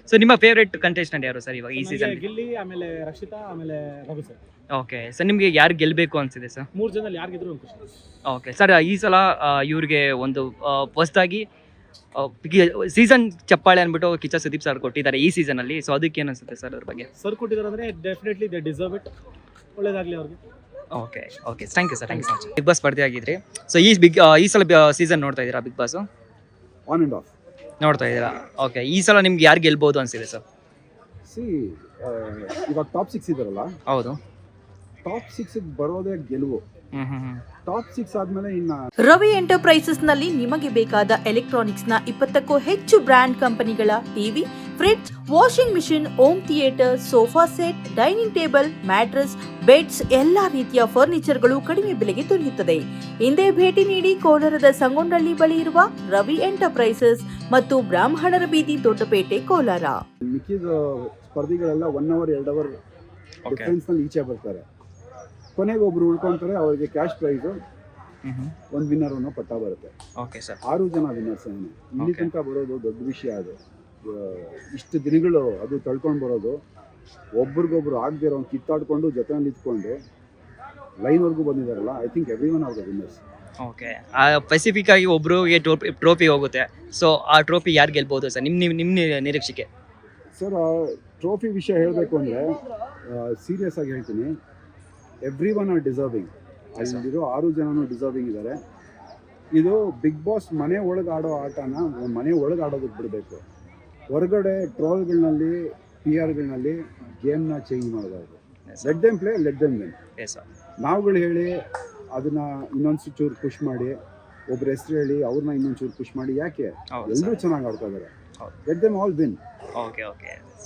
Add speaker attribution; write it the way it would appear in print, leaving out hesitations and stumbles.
Speaker 1: So ನಿಮ್ಮ favourite contestant ಯಾರು sir ಇವಾಗ ಈ ಸೀಸನ್?
Speaker 2: ಗಿಲ್ಲಿ, ಆಮೇಲೆ ರಕ್ಷಿತಾ, ಆಮೇಲೆ ರಘು ಸರ್.
Speaker 1: ಓಕೆ ಸರ್, ನಿಮಗೆ ಯಾರು ಗೆಲ್ಲಬೇಕು ಅನ್ಸಿದೆ ಸರ್?
Speaker 2: 3 ಜನದಲ್ಲಿ ಯಾರು ಗೆದ್ರು ಖುಷಿ.
Speaker 1: ಓಕೆ ಸರ್, ಈ ಸಲ ಇವ್ರಿಗೆ ಒಂದು ಹೊಸದಾಗಿ ಸೀಸನ್ ಚಪ್ಪಾಳೆ ಅಂದ್ಬಿಟ್ಟು ಕಿಚ್ಚ ಸುದೀಪ್ ಸರ್ ಕೊಟ್ಟಿದ್ದಾರೆ ಈ ಸೀಸನಲ್ಲಿ. ಸೊ ಅದಕ್ಕೆ ಏನು ಅನ್ಸುತ್ತೆ ಸರ್ ಅದ್ರ ಬಗ್ಗೆ?
Speaker 2: ಸರ್ ಕೊಟ್ಟಿದ್ದಾರೆ ಅಂದರೆ ಡೆಫಿನೆಟ್ಲಿ ದೇ ಡಿಸರ್ವ್ ಇಟ್. ಒಳ್ಳೇದಾಗಲಿ ಅವ್ರಿಗೆ.
Speaker 1: Okay okay, thank you sir, thank you so much. Bigg Boss ಸ್ಪರ್ಧೆ ಆಗಿದ್ರಿ. ಸೊ ಈ ಸಲ ಸೀಸನ್ ನೋಡ್ತಾ ಇದ್ದೀರಾ Bigg Boss?
Speaker 3: On and off
Speaker 1: ನೋಡ್ತಾ ಇದ್ದೀರಾ? ಓಕೆ, ಈ ಸಲ ನಿಮ್ಗೆ ಯಾರು ಗೆಲ್ಬೋದು ಅನ್ಸಿದೆ ಸರ್?
Speaker 3: ಇವಾಗ ಟಾಪ್ 6 ಇದಾರಲ್ಲ,
Speaker 1: ಹೌದು.
Speaker 3: ಟಾಪ್ 6 ಬರೋದೇ ಗೆಲುವು. ಟಾಪ್ 6 ಆದ್ಮೇಲೆ ಇನ್ನ
Speaker 4: ರವಿ ಎಂಟರ್ಪ್ರೈಸಸ್ ನಲ್ಲಿ ನಿಮಗೆ ಬೇಕಾದ ಎಲೆಕ್ಟ್ರಾನಿಕ್ಸ್ ನ 20ಕ್ಕೂ ಹೆಚ್ಚು ಬ್ರಾಂಡ್ ಕಂಪನಿಗಳ TV, fridge, washing machine, home theatre, sofa set, dining table, mattress, beds, ಎಲ್ಲಾ ರೀತಿಯ ಫರ್ನಿಚರ್ಗಳು ಕಡಿಮೆ ಬೆಲೆಗೆ ದೊರೆಯುತ್ತದೆ. ಹಿಂದೆ ಭೇಟಿ ನೀಡಿ ಕೋಲಾರದ ಸಂಗೊಂಡಳ್ಳಿ ಬಳಿ ಇರುವ ರವಿ ಎಂಟರ್ಪ್ರೈಸಸ್ ಮತ್ತು ಬ್ರಾಹ್ಮಣರ ಬೀದಿ, ದೊಡ್ಡಪೇಟೆ, ಕೋಲಾರ.
Speaker 3: ಮಿಕ್ಕಿದ ಸ್ಪರ್ಧಿಗಳೆಲ್ಲ 1 ಅವರ್ 2 ಅವರ್ ಡಿಫರೆನ್ಸ್ ನಲ್ಲಿ ಈಚೆ ಬರ್ತಾರೆ. ಕೊನೆಗೆ ಒಬ್ರು ಉಳ್ಕೊಂತಾರೆ, ಅವರಿಗೆ ಕ್ಯಾಶ್ ಪ್ರೈಸ್ ಒಂದು ವಿನ್ನರ್ ಅನ್ನೋ ಪಟ್ಟ ಬರುತ್ತೆ.
Speaker 1: ಓಕೆ ಸರ್,
Speaker 3: 6 ಜನ ವಿನ್ನರ್ಸ್ ಇಲ್ಲಿ ತನಕ ಬರೋದು ದೊಡ್ಡ ವಿಷಯ. ಅದು ಇಷ್ಟು ದಿನಗಳು ಅದು ತಳ್ಕೊಂಡು ಬರೋದು, ಒಬ್ರಿಗೊಬ್ರು ಆಗದಿರೋ ಕಿತ್ತಾಡ್ಕೊಂಡು ಜೊತೆಯಲ್ಲಿ ಇಟ್ಕೊಂಡು ಲೈನ್ವರೆಗೂ ಬಂದಿದ್ದಾರಲ್ಲ. I think everyone are the winners.
Speaker 1: Okay, specific ಆಗಿ ಒಬ್ರಿಗೆ ಟ್ರೋಫಿ ಹೋಗುತ್ತೆ. ಸೊ ಆ ಟ್ರೋಫಿ ಯಾರು ಗೆಲ್ಬೋದು ಸರ್ ನಿಮ್ಮ ನಿರೀಕ್ಷೆಗೆ?
Speaker 3: ಸರ್, ಟ್ರೋಫಿ ವಿಷಯ ಹೇಳಬೇಕು ಅಂದರೆ ಸೀರಿಯಸ್ ಆಗಿ ಹೇಳ್ತೀನಿ, ಎವ್ರಿ ಒನ್ ಆರ್ ಡಿಸರ್ವಿಂಗ್. ಅಲ್ಲಿರೋ 6 ಜನನೂ ಡಿಸರ್ವಿಂಗ್ ಇದ್ದಾರೆ. ಇದು ಬಿಗ್ ಬಾಸ್ ಮನೆ ಒಳಗೆ ಆಡೋ ಆಟನ ಮನೆ ಒಳಗೆ ಆಡೋದಕ್ಕೆ ಬಿಡಬೇಕು. ಹೊರಗಡೆ ಟ್ರೋಲ್ಗಳಲ್ಲಿ, PR ಗಳಲ್ಲಿ ಗೇಮ್ನ ಚೇಂಜ್ ಮಾಡೋದಾದ್ರು. Let them play, let them win. ನಾವುಗಳು ಹೇಳಿ ಅದನ್ನ ಇನ್ನೊಂದು ಚೂರು ಪುಷ್ ಮಾಡಿ, ಒಬ್ರ ಹೆಸರು ಹೇಳಿ ಅವ್ರನ್ನ ಇನ್ನೊಂದು ಚೂರು ಪುಷ್ ಮಾಡಿ ಯಾಕೆ? ಎಲ್ಲರೂ ಚೆನ್ನಾಗಿ ಆಡ್ತಾ ಇದ್ದಾರೆ. Let them all win.
Speaker 1: Okay okay.